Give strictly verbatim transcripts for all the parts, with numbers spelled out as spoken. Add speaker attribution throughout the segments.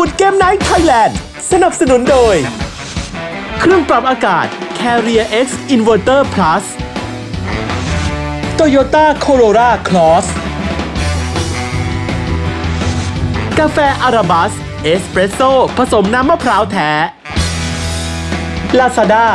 Speaker 1: วูดเกมไนท์ไทยแลนด์สนับสนุนโดยเครื่องปรับอากาศ Carrier X Inverter Plus Toyota Corolla Cross กาแฟอาราบัสเอสเปรสโซ่ผสมน้ำมะพร้าวแท้ Lazada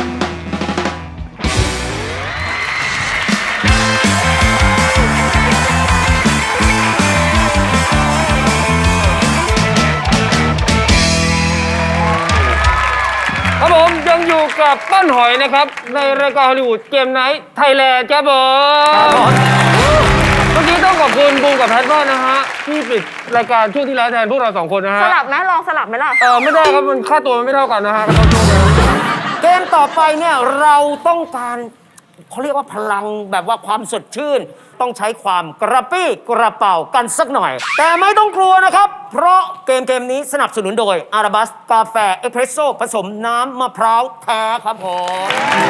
Speaker 2: ครับผมยังอยู่กับป้านหอยนะครับในรายการฮอลลีวูดเกมไนท์ไทยแลนด์ครับผมเมื่อกี้ต้องขอบคุณบูมกับแพทมากนะฮะที่ปิดรายการช่วงที่แล้วแทนพวกเราสองคนนะฮะ
Speaker 3: สลับไหมลองสลับไหมล่ะ
Speaker 2: เออไม่ได้ครับมันค่าตัวมันไม่เท่ากันนะฮะเกมต่อไปเนี่ยเราต้องการเขาเรียกว่าพลังแบบว่าความสดชื่นต้องใช้ความกระปี้กระเป๋ากันสักหน่อย แต่ไม่ต้องกลัวนะครับเพราะเกมเกมนี้สนับสนุนโดยอาราบัสกาแฟเอสเปรสโซ่ผสมน้ำมะพร้าวแท้ครับผม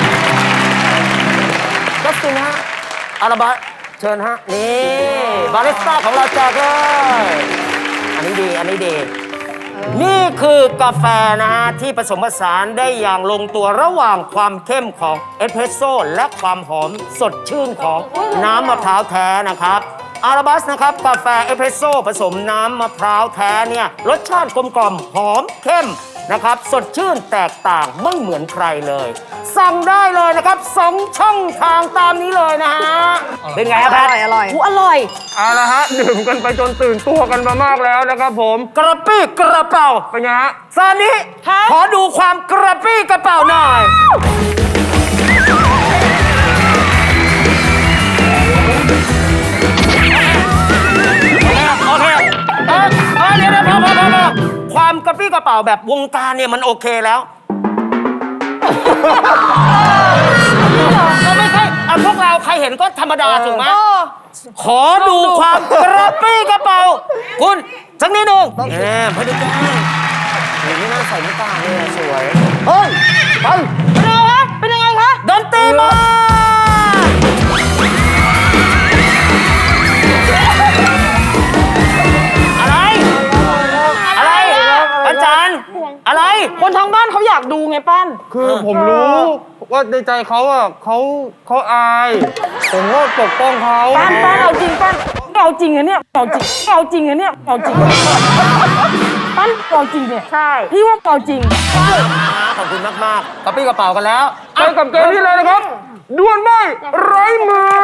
Speaker 2: จัสตินฮะอาราบัสเชิญฮะนี่บาริสต้าของเราแจกเลยอันนี้ดีอันนี้ดีนี่คือกาแฟนะฮะที่ผสมผสานได้อย่างลงตัวระหว่างความเข้มของเอสเปรสโซ่และความหอมสดชื่นของน้ำมะพร้าวแท้นะครับอาราบัสนะครับกาแฟเอสเปรสโซ่ผสมน้ำมะพร้าวแท้เนี่ยรสชาติกลมกล่อมหอมเข้มนะครับสดชื่นแตกต่างไม่เหมือนใครเลยสั่งได้เลยนะครับสองช่องทางตามนี้เลยนะฮะเป็นไงครับ
Speaker 3: อร่อยอร่อยอร่อย
Speaker 2: เอาละฮะดื่มกันไปจนตื่นตัวกันมามากแล้วนะครับผมกระปี้กระเป๋าเป็นไงฮะซานิขอดูความกระปี้กระเป๋าหน่อยโอเคเออเออเดี๋ยวเดี๋ยวพอพอพอความกระปี้กระเป๋าแบบวงการเนี่ยมันโอเคแล้วก็ไม่ใช่เอาพวกเราใครเห็นก็ธรรมดาถูกไหมขอดูความกระปี้กระเป๋าคุณสักนิดหนึ่งแหมไม่ได้แกล้งอย่างนี้น่าใส่ไม่ตาเลยสวยเฮ้ยไปเป็นยังไงคะเป็นยังไงคะดนตรีมาอะไรอะไรอาจารย์อะไร
Speaker 3: คนทางบ้านเขาอยากดูไงป้าน
Speaker 2: คือผมรู้ว่าในใจเขาอ่ะเขาเขาอายผมก็ปกป้องเขา
Speaker 3: ป้านป้านเอาจริงป้านเอาจริงอะเนี่ยเอาจริงเอาจริงอะเนี่ยเอาจริงป้านเอาจริงเนี่ยใช่พี่ว่าเอาจริงใช่
Speaker 2: ขอบคุณมากมากกระปี้กระเป๋ากันแล้วไปกับเกมนี้เลยนะครับดวลใบ้ไร้มือ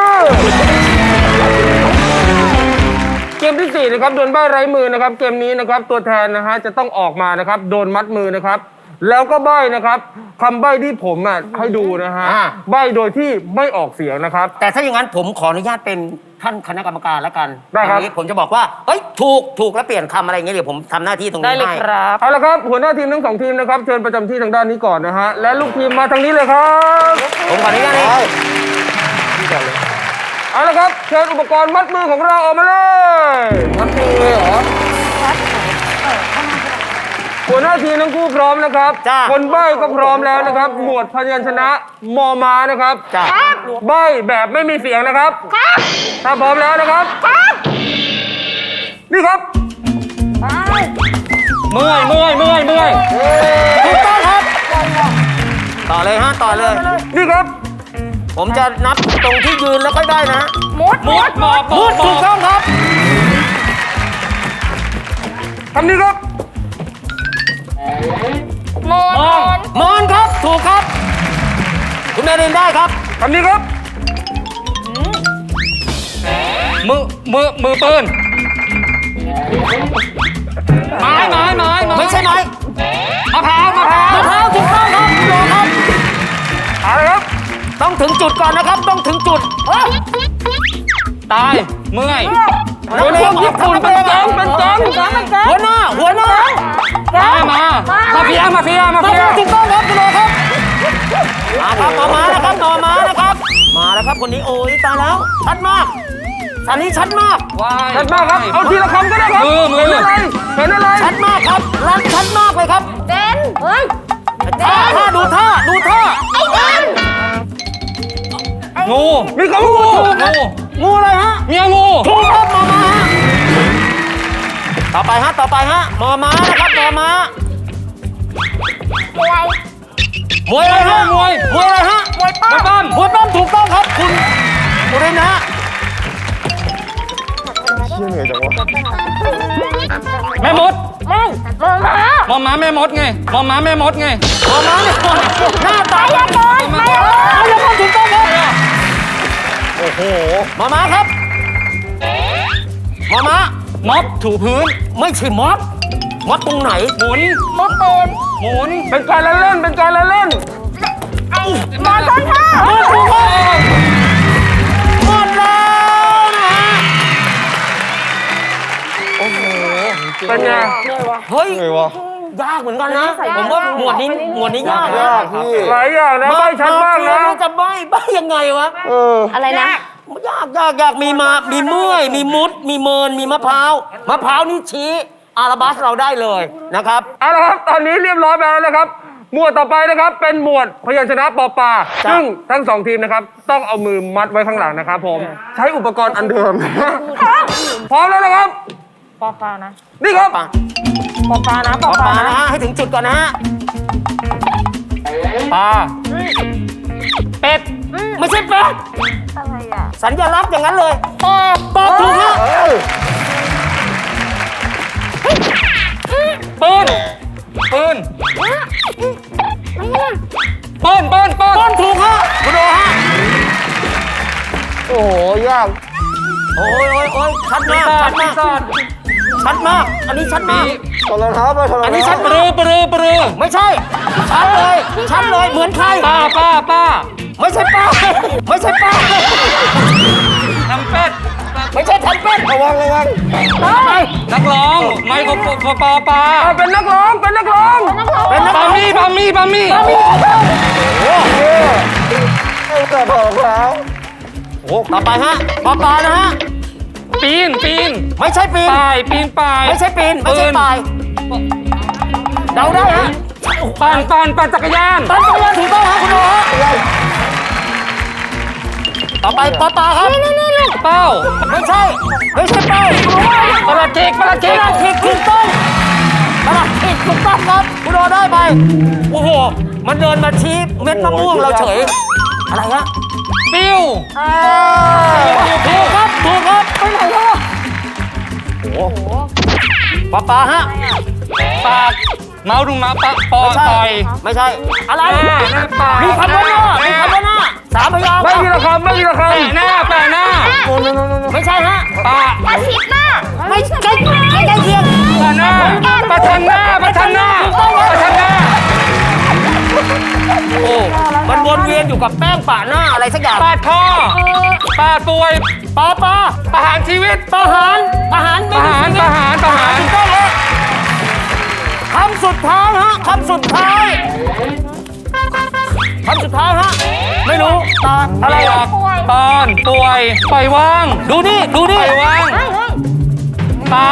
Speaker 2: เกมที่สี่นะครับดวลใบ้ไร้มือนะครับเกมนี้นะครับตัวแทนนะฮะจะต้องออกมานะครับโดนมัดมือนะครับแล้วก็ใบ้นะครับคำใบ้ที่ผมอ่ะให้ดูนะฮะใบ้โดยที่ไม่ออกเสียงนะครับแต่ถ้าอย่างนั้นผมขออนุญาตเป็นท่านคณะกรรมการแล้วกันได้ครับผมจะบอกว่าเฮ้ยถูกถูกแล้วเปลี่ยนคำอะไรเงี้ยเดี๋ยวผมทำหน้าที่ตรงนี้ให้ได้เลยครับเอาละครับหัวหน้าทีมทั้งสองทีมนะครับเชิญประจำที่ทางด้านนี้ก่อนนะฮะและลูกทีมมาทางนี้เลยครับผมขออนุญาตให้เอาละครับเชิญอุปกรณ์มัดมือของเราออกมาเลยมัดมือเลยเหรอหัวหน้าทีมทั้งคู่พร้อมนะครับคนใบ้ก็พร้อมแล้วนะครับหมวดพยัญชนะมอมานะครับใบ้แบบไม่มีเสียงนะครับถ้าพร้อมแล้วนะครับนี่ครับเมื่อยเมื่อยเมื่อยเมื่อยถูกต้องครับต่อเลยฮะต่อเลยนี่ครับผมจะนับตรงที่ยืนแล้วค่อยได้นะมุดมุดมุดมุดถูกต้องครับคำนี้ครับมอนมอนครับถูกครับคุณแม่เรียนได้ครับคำนี้ครับมือมือมือปืนไม้ไม้ไม้ไม่ใช่ไม้มะพร้าวมะพร้าวมะพร้าวถูกต้องครับรอครับเอาเลยครับต้องถึงจุดก่อนนะครับต้องถึงจุดตายเมื่อยหัวหน้าญี่ปุ่นเป็นแก๊งเป็นแก๊งหัวหน้าหัวหน้ามามามาเฟียมาเฟียมาเฟียถูกต้องครับคุณโอครับมาครับมามาแล้วครับมามาแล้วครับมาแล้วครับคนนี้โอ้ยตายแล้วชัดมากอันนี้ชัดมากชัดมากครับเอาทีละคำก็ได้ครับเห็นอะไรเห็นอะไรชัดมากครับรันชัดมากเลยครับ
Speaker 3: เด่นเฮ้ย
Speaker 2: ท่าท่าดูท่าดูท่า
Speaker 3: ไอ้เด่น
Speaker 2: งูมีคำว่างูงูงูอะไรฮะเมียงูถูกครับมามาตต่อไปฮะต่อไปฮะมอม้านะครับมอม้า
Speaker 4: มวย
Speaker 2: มวยอะไรฮะมวยมวยอะไรฮะ
Speaker 4: มวยปั้ม
Speaker 2: มวยปั้มถูกต้องครับคุณบุรินทร์ฮะ
Speaker 5: แม่มด
Speaker 4: ไม่มอม้าม
Speaker 5: อม้าแม่มดไงมอม้าแม่มดไง
Speaker 2: มอม้าเนี่ยหน้าตา
Speaker 4: ไมายากลไมายากล
Speaker 2: มายากลถูกต้องครับโอ้โหมอม้าครับมอม้า
Speaker 5: ม็อบถูพื้น
Speaker 2: ไม่ใช่มอสมอสตรงไหน
Speaker 5: หมุน
Speaker 4: มดเป็น
Speaker 5: หมุน
Speaker 2: เป็นการละเล่นเป็นการละเล่น
Speaker 4: ไอ้มอต้นท่า
Speaker 2: หมดถูกต้องหมดแล้วนะฮะโอ้โหเป็นไงเฮ้ยยากเหมือนกันนะผมว่าหมวดนี้หมวดนี้ยากนะ
Speaker 6: หลายอย่างนะไม่ชัดมากนะ
Speaker 2: จะใบ้ใบ้ยังไงวะ
Speaker 4: อะไรนะ
Speaker 2: ยากยากยากมีมา มีเมื่อย มีมุด มีเมิน มีมะพร้าว มะพร้าวนี่ชี้อาราบัสเราได้เลยนะครับ
Speaker 6: เอาละครับตอนนี้เรียบร้อยไปแล้วนะครับ หมวดต่อไปนะครับ เป็นหมวดพยัญชนะปอปลา
Speaker 2: จ้ะ
Speaker 6: ซึ่งทั้งสองทีมนะครับ ต้องเอามือมัดไว้ข้างหลังนะครับผม ใช้อุปกรณ์อันเดิม พร้อมแล้วนะครับ
Speaker 3: ปอปลานะ
Speaker 6: นี่ครับ
Speaker 2: ปลา
Speaker 3: ปอปลานะป
Speaker 2: ป
Speaker 3: อ
Speaker 2: อ
Speaker 3: ป
Speaker 2: ป
Speaker 3: ลา
Speaker 2: ลา
Speaker 3: นะ
Speaker 2: นะฮะ ให้ถึงจุดก่อนนะฮะ
Speaker 5: ปลา
Speaker 2: เป็ด ไม่ใช่เป็ด
Speaker 4: อะไรอ่ะ
Speaker 2: สัญลักษณ์อย่างนั้นเลย
Speaker 4: ปอ
Speaker 2: ตอบถูกฮะ
Speaker 5: ปืนปืน
Speaker 4: ไม่ใช่
Speaker 5: ปืนปืนปืน
Speaker 2: ต้นถูกฮะคุณโดฮะ
Speaker 6: โอ้โห ยาก
Speaker 2: โอ้ยโอ้ยโอ้ยชัดมาก
Speaker 5: ปี
Speaker 2: ชัด
Speaker 5: ศา
Speaker 2: มา
Speaker 5: จ
Speaker 2: ก ชัดมาก อันนี้ชัดมาก
Speaker 6: ถอดรองเท้าไปถอดรองเท้า
Speaker 2: อันนี้ชัด
Speaker 5: ปรือปรือปรือ
Speaker 2: ไม่ใช่ ชัดเลย ชัดเลย เหมือนใคร
Speaker 5: ป้าป้าป้า
Speaker 2: ไม่ใช่ป้า ไม่ใช่ป้า
Speaker 5: ทำเป็ด
Speaker 2: ไม่ใช่แทนเป็ด
Speaker 6: ระวังระวัง
Speaker 5: นักร้องไมโครโฟนปอปลา
Speaker 6: เอาเป็นนักร้อง เป็นนักร้อง
Speaker 2: เป็นนัก
Speaker 5: ปา
Speaker 2: ร้อง
Speaker 5: มี่ปามี่ปามี่
Speaker 6: แต่ถอดรองเท้า
Speaker 2: ต่อไปฮะปอปลานะฮะ
Speaker 5: ปีนปีน
Speaker 2: ไม่ใช่ปีน
Speaker 5: ป่ายปีนป่าย
Speaker 2: ไม่ใช่ปีน ไม่ใช่ปลายเดาได้ฮะ
Speaker 5: ปั่นปั่นปั่นจักรยาน
Speaker 2: ปันจักรยานถูกต้องฮะคุณโอฮะต่อไปปอปลาครับ
Speaker 5: เป้า
Speaker 2: ไม่ใช่ ไม่ใช่เป้า
Speaker 5: ปลาเจกปลาเจ
Speaker 2: ก
Speaker 5: ก
Speaker 2: ระดาษผิดถูกต้องกระดาษผิดถูกต้องครับคุณโอได้ไป โอ้โห มันเดินมาชี้เม็ดมะม่วงเราเฉย อะไรฮะ
Speaker 5: ปิ้ว
Speaker 2: ถูกครับ ถูกครับ ไปไหนแล้วอะโอ้โหปอปลาฮะ
Speaker 5: ปากเมาส์ดูมาปะปอ
Speaker 2: ไม่ใช่
Speaker 5: ต่อย
Speaker 2: ไม่ใช่ อะไร
Speaker 5: หน้าหน้าปาก
Speaker 2: มีคำว่าหน้ามีคำว่าหน้าสามพยางค์
Speaker 6: ไม่มีละคำไม่มีละค
Speaker 5: แปะหน้าแปะหน้า
Speaker 2: ไม่ใช่ฮะ
Speaker 5: ปาก
Speaker 4: ปลาชิดหน้า
Speaker 2: ไม่ใกล้ใกล้เคียง
Speaker 5: ปะหน้าประชันหน้าประชันหน้าประชันหน้า
Speaker 2: โอ้มันวนเวียนอยู่กับแป้งปะหน้าอะไรสักอย่าง
Speaker 5: ปาดคอปาดป่วย
Speaker 2: ปอปลา
Speaker 5: ประหารชีวิต
Speaker 2: ประหารประหาร
Speaker 5: ประหารประหารประหาร
Speaker 2: ถูกต้องเลยคำสุดท้ายฮะคำสุดท้ายคำสุดท้ายฮะไม่รู้ตาอะไร
Speaker 5: เปีย
Speaker 2: อ่ะ
Speaker 5: กปอนป่วยปล่อยว่าง
Speaker 2: ดูนี่ดู
Speaker 5: ป
Speaker 2: นี่
Speaker 5: ล่อยว่างเปล่า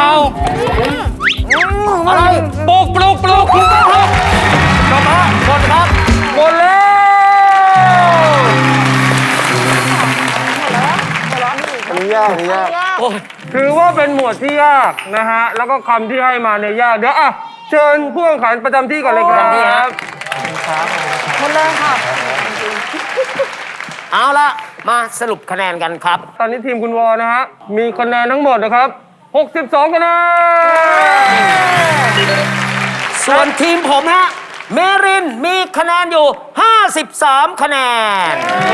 Speaker 2: อะไร
Speaker 5: ปลุกปลุกปลุกปลุกปลุก
Speaker 2: จบฮะหมดครับ
Speaker 6: หมดแล้วอันนี้ยากอันนี้ยาก
Speaker 2: โอ้ย
Speaker 6: ถือว่าเป็นหมวดที่ยากนะฮะ แล้วก็คำที่ให้มาเนี่ยยาก เดี๋ยวอ่ะเชิญผู้แข่งขันประจำที่ก่อนเลยครับ
Speaker 3: หมดเลยค่ะ
Speaker 2: เอาละมาสรุปคะแนนกันครับ
Speaker 6: ตอนนี้ทีมคุณวอนะฮะ มีคะแนนทั้งหมดนะครับ หกสิบสองคะแนน
Speaker 2: ส่วนทีมผมฮะเมรินมีคะแนนอยู่ ห้าสิบสาม คะแนน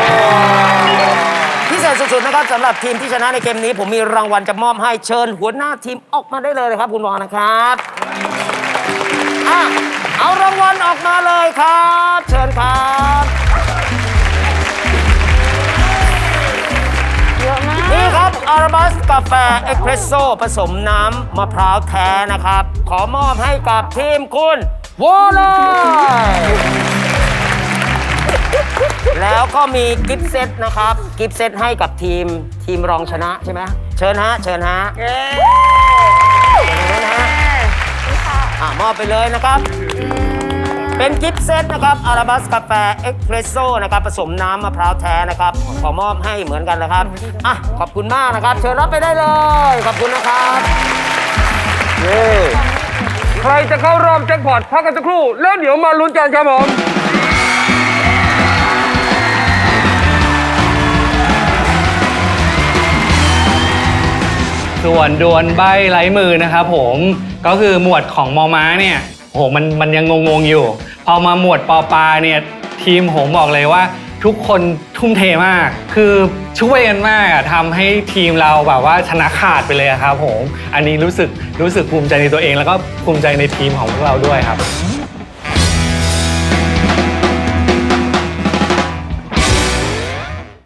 Speaker 2: พิเศษสุดๆนะครับสำหรับทีมที่ชนะในเกมนี้ ผมมีรางวัลจะมอบให้เชิญหัวหน้าทีมออกมาได้เลยนะครับ คุณวอนะครับอ่ะเอารางวัลออกมาเลยครับ เชิญครับ
Speaker 4: เยอะมาก
Speaker 2: นี่ครับอาราบัสกาแฟเอ็กเพรสโซ่ผสมน้ำมะพร้าวแท้นะครับ ขอมอบให้กับทีมคุณวอลเลยแล้วก็มีกิฟต์เซตนะครับ กิฟต์เซตให้กับทีมทีมรองชนะใช่ไหมเชิญฮะ เชิญฮะเชิญฮะอ่ะมอบไปเลยนะครับ เป็นกิฟต์เซตนะครับอาราบัสกาแฟเอ็กเพรสโซ่นะครับผสมน้ำมะพร้าวแท้นะครับขอมอบให้เหมือนกันนะครับอ่ะขอบคุณมากนะครับ เชิญรับไปได้เลย ขอบคุณนะครับ
Speaker 6: เย้ใครจะเข้ารอบแจ็คพอตพักกันสักครู่แล้วเดี๋ยวมาลุ้นกันครับผม
Speaker 5: ส่วนดวลใบไร้มือนะครับผมก็คือหมวดของมอม้าเนี่ยโหมันมันยังงงๆอยู่พอมาหมวดปอปลาเนี่ยทีมผมบอกเลยว่าทุกคนทุ่มเทมากคือช่วยกันมากอะทำให้ทีมเราแบบว่าชนะขาดไปเลยครับผมอันนี้รู้สึกรู้สึกภูมิใจในตัวเองแล้วก็ภูมิใจในทีมของพวกเราด้วยครับ